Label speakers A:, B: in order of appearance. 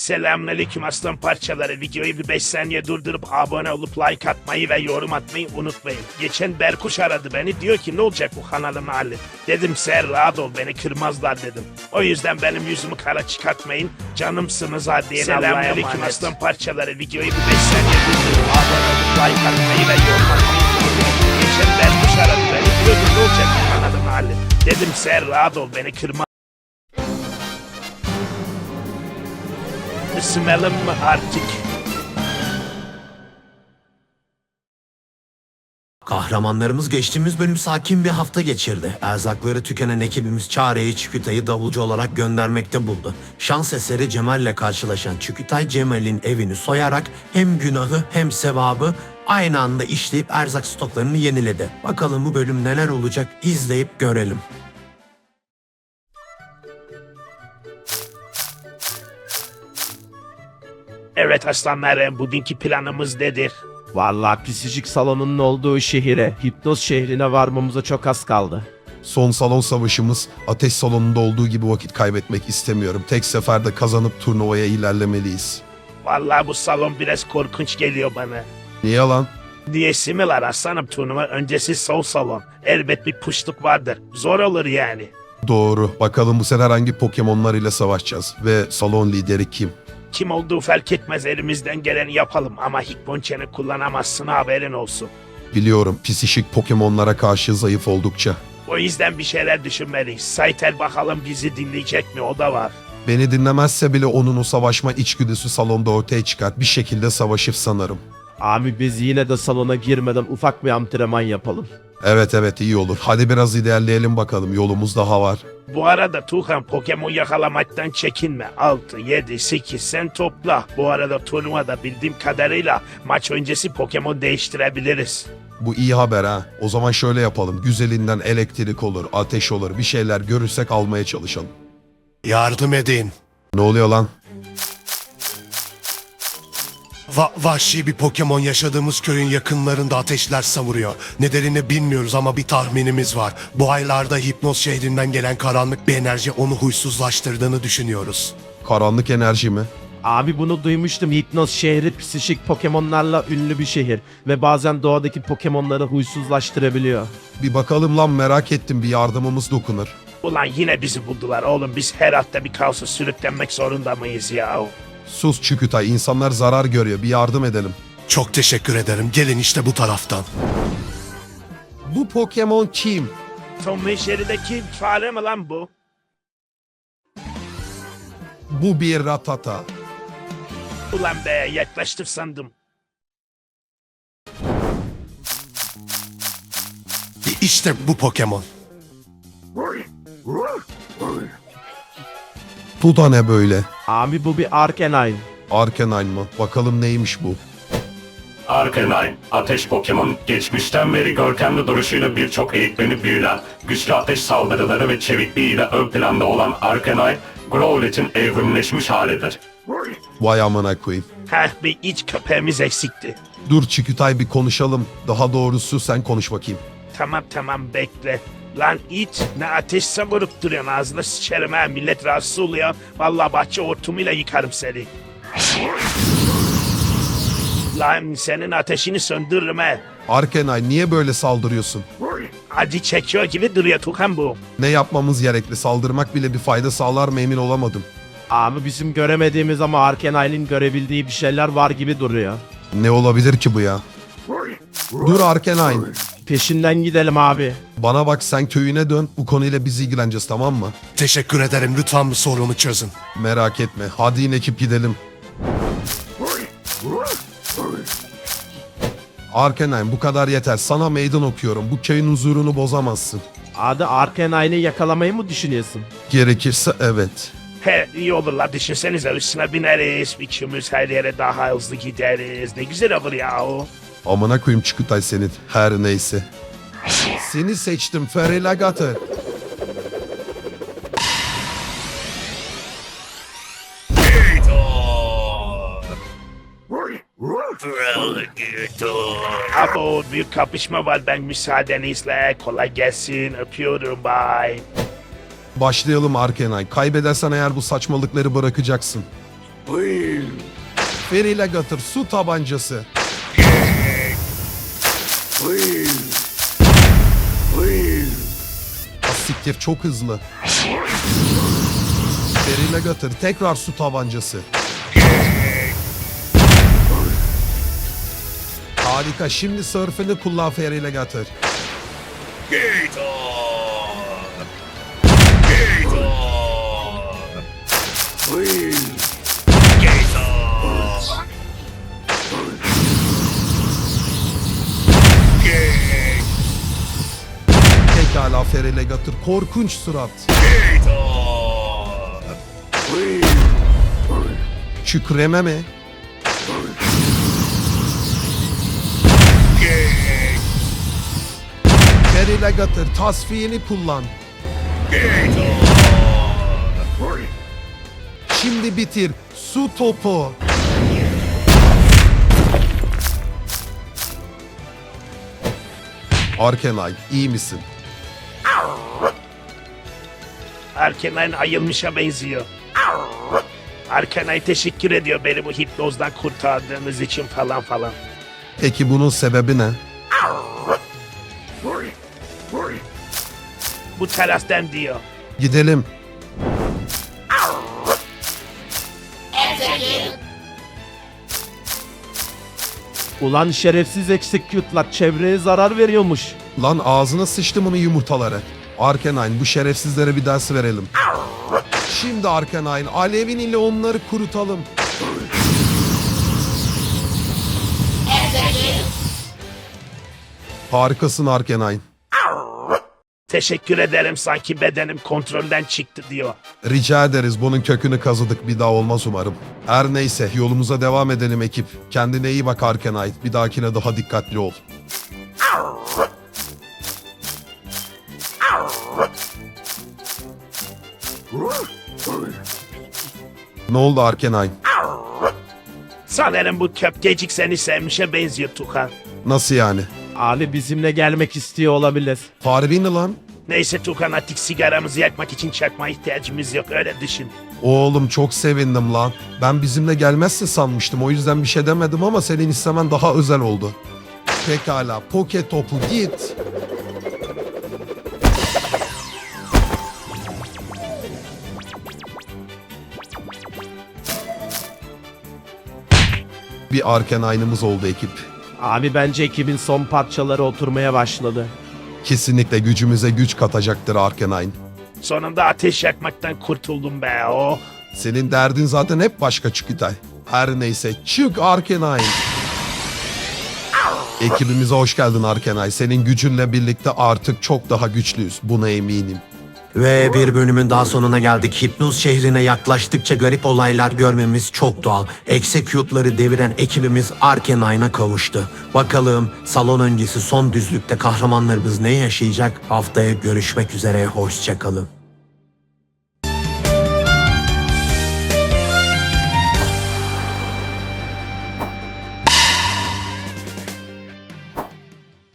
A: Selamünaleyküm aslan parçaları. Videoyu bir 5 saniye durdurup abone olup like atmayı ve yorum atmayı unutmayın. Geçen Berkuş aradı beni, diyor ki ne olacak bu kanalın hali? Dedim sen rahat ol, beni kırmazlar dedim. O yüzden benim yüzümü kara çıkartmayın. Canımsınız hadi. Selamünaleyküm aslan parçaları. Videoyu bir 5 saniye durdurup abone olup like atmayı ve yorum atmayı unutmayın. Geçen Berkuş aradı beni, diyor ki ne olacak bu kanalın hali? Dedim sen rahat ol, beni kırmazlar. Isınalım mı artık?
B: Kahramanlarımız geçtiğimiz bölüm sakin bir hafta geçirdi. Erzakları tükenen ekibimiz Çare'yi Çükütay'ı davulcu olarak göndermekte buldu. Şans eseri Cemal'le karşılaşan Çükütay Cemal'in evini soyarak hem günahı hem sevabı aynı anda işleyip erzak stoklarını yeniledi. Bakalım bu bölüm neler olacak, izleyip görelim.
A: Evet aslanlarım, bugünkü planımız nedir?
C: Vallahi psikolojik salonunun olduğu şehire, hipnoz şehrine varmamıza çok az kaldı.
D: Son salon savaşımız ateş salonunda olduğu gibi vakit kaybetmek istemiyorum. Tek seferde kazanıp turnuvaya ilerlemeliyiz.
A: Vallahi bu salon biraz korkunç geliyor bana.
D: Niye lan?
A: Diyesi mi var aslanım, turnuva öncesi sol salon. Elbet bir puşluk vardır. Zor olur yani.
D: Doğru. Bakalım bu sefer hangi Pokemon'lar ile savaşacağız ve salon lideri kim?
A: Kim olduğu fark etmez, elimizden geleni yapalım ama Hitmonchan'ı kullanamazsın, haberin olsun.
D: Biliyorum, psişik Pokemon'lara karşı zayıf oldukça.
A: O yüzden bir şeyler düşünmeliyiz. Saytel bakalım bizi dinleyecek mi, o da var.
D: Beni dinlemezse bile onun o savaşma içgüdüsü salonda ortaya çıkar. Bir şekilde savaşır sanırım.
C: Abi biz yine de salona girmeden ufak bir antrenman yapalım.
D: Evet iyi olur. Hadi biraz ilerleyelim bakalım. Yolumuz daha var.
A: Bu arada Tuğhan, Pokemon yakalamaktan çekinme. 6, 7, 8 sen topla. Bu arada turnuvada bildiğim kadarıyla maç öncesi Pokemon değiştirebiliriz.
D: Bu iyi haber ha. O zaman şöyle yapalım. Güzelinden elektrik olur, ateş olur. Bir şeyler görürsek almaya çalışalım.
E: Yardım edin.
D: Ne oluyor lan?
E: Vahşi bir Pokemon yaşadığımız köyün yakınlarında ateşler savuruyor. Nedenini bilmiyoruz ama bir tahminimiz var. Bu aylarda Hipnoz şehrinden gelen karanlık bir enerji onu huysuzlaştırdığını düşünüyoruz.
D: Karanlık enerji mi?
C: Abi bunu duymuştum. Hipnoz şehri psikolojik Pokemon'larla ünlü bir şehir. Ve bazen doğadaki Pokemon'ları huysuzlaştırabiliyor.
D: Bir bakalım lan, merak ettim, bir yardımımız dokunur.
A: Ulan yine bizi buldular oğlum. Biz her hafta bir kaosa sürüklenmek zorunda mıyız ya?
D: Sus Çükütay, insanlar zarar görüyor, bir yardım edelim.
E: Çok teşekkür ederim. Gelin işte bu taraftan.
D: Bu Pokemon kim?
A: Tom ve Jerry'deki fare mi lan bu?
D: Bu bir Rattata.
A: Ulan be, yaklaştır sandım.
E: İşte bu Pokemon.
D: Bu da ne böyle?
C: Abi bu bir Arcanine.
D: Arcanine mı? Bakalım neymiş bu?
F: Arcanine, ateş Pokemon, geçmişten beri görkemli duruşuyla birçok eğitmeni büyülen, güçlü ateş saldırıları ve çevikliğiyle ön planda olan Arcanine, Growlithe'in evrimleşmiş halidir.
D: Vay amına koyayım.
A: Heh, bir iç köpeğimiz eksikti.
D: Dur Çükütay, bir konuşalım. Daha doğrusu sen konuş bakayım.
A: Tamam bekle. Lan it, ne ateş savurup duruyorsun, ağzına sıçarım ha, millet rahatsız oluyor. Vallahi bahçe hortumuyla yıkarım seni. Lan senin ateşini söndürürüm ha.
D: Arcanine, niye böyle saldırıyorsun?
A: Acı çekiyor gibi duruyor Tukan bu.
D: Ne yapmamız gerekli? Saldırmak bile bir fayda sağlar mı, emin olamadım.
C: Abi bizim göremediğimiz ama Arcanine'in görebildiği bir şeyler var gibi duruyor.
D: Ne olabilir ki bu ya? Dur Arcanine.
C: Peşinden gidelim abi.
D: Bana bak, sen köyüne dön. Bu konuyla biz ilgileneceğiz, tamam mı?
E: Teşekkür ederim. Lütfen bu sorunu çözün.
D: Merak etme. Hadi in ekip, gidelim. Arcanine, bu kadar yeter. Sana meydan okuyorum. Bu köyün huzurunu bozamazsın.
C: Adı Arcanine'i yakalamayı mı düşünüyorsun?
D: Gerekirse evet.
A: He, iyi olur la, düşünsenize, üstüne bineriz. Üçümüz her yere daha hızlı gideriz. Ne güzel olur ya o.
D: Amına koyayım Çükütay senin. Her neyse. Seni seçtim Ferelagator.
A: Abo, büyük kapışma var, ben müsaadenizle. Kolay gelsin, öpüyorum, bye.
D: Başlayalım Arcanine. Kaybedersen eğer bu saçmalıkları bırakacaksın. Ferilegatır su tabancası. Siktir çok hızlı. Ferilegatır tekrar su tabancası. Harika, şimdi sörfünü kullan Ferilegatır. Pekala Ferilegatır, korkunç surat. Kükreme mi? Ferilegatır, tasfiyeni kullan. Şimdi bitir, su topu. Arkenay, iyi misin?
A: Arkenay ayılmışa benziyor. Arkenay teşekkür ediyor beni bu hipnozdan kurtardığınız için falan falan.
D: Peki bunun sebebi ne?
A: Bu terastan diyor.
D: Gidelim.
C: Ulan şerefsiz execute'lar çevreye zarar veriyormuş.
D: Lan ağzına sıçtım onun yumurtaları. Arkenine, bu şerefsizlere bir ders verelim. Şimdi Arkenine, alevin ile onları kurutalım. Harikasın Arkenine.
A: Teşekkür ederim, sanki bedenim kontrolden çıktı diyor.
D: Rica ederiz, bunun kökünü kazıdık, bir daha olmaz umarım. Her neyse, yolumuza devam edelim ekip. Kendine iyi bak Arkenine, bir dahakine daha dikkatli ol. Ne oldu Arkenine?
A: Sanırım bu köpkecik seni sevmişe benziyor Tukan.
D: Nasıl yani?
C: Abi bizimle gelmek istiyor olabilir.
D: Harbi mi lan?
A: Neyse Tukan, artık sigaramızı yakmak için çakma ihtiyacımız yok, öyle düşün.
D: Oğlum çok sevindim lan. Ben bizimle gelmezse sanmıştım, o yüzden bir şey demedim ama senin istemen daha özel oldu. Pekala, poke topu git. Bir Arkenine'ımız oldu ekip.
C: Abi bence ekibin son parçaları oturmaya başladı.
D: Kesinlikle gücümüze güç katacaktır Arkenine.
A: Sonunda ateş yakmaktan kurtuldum be, oh.
D: Senin derdin zaten hep başka Çükütay. Her neyse, çık Arkenine. Ekibimize hoş geldin Arkenine. Senin gücünle birlikte artık çok daha güçlüyüz. Buna eminim.
B: Ve bir bölümün daha sonuna geldik. Hipnoz şehrine yaklaştıkça garip olaylar görmemiz çok doğal. Execute'ları deviren ekibimiz Arkenine'a kavuştu. Bakalım salon öncesi son düzlükte kahramanlarımız ne yaşayacak? Haftaya görüşmek üzere, hoşça kalın.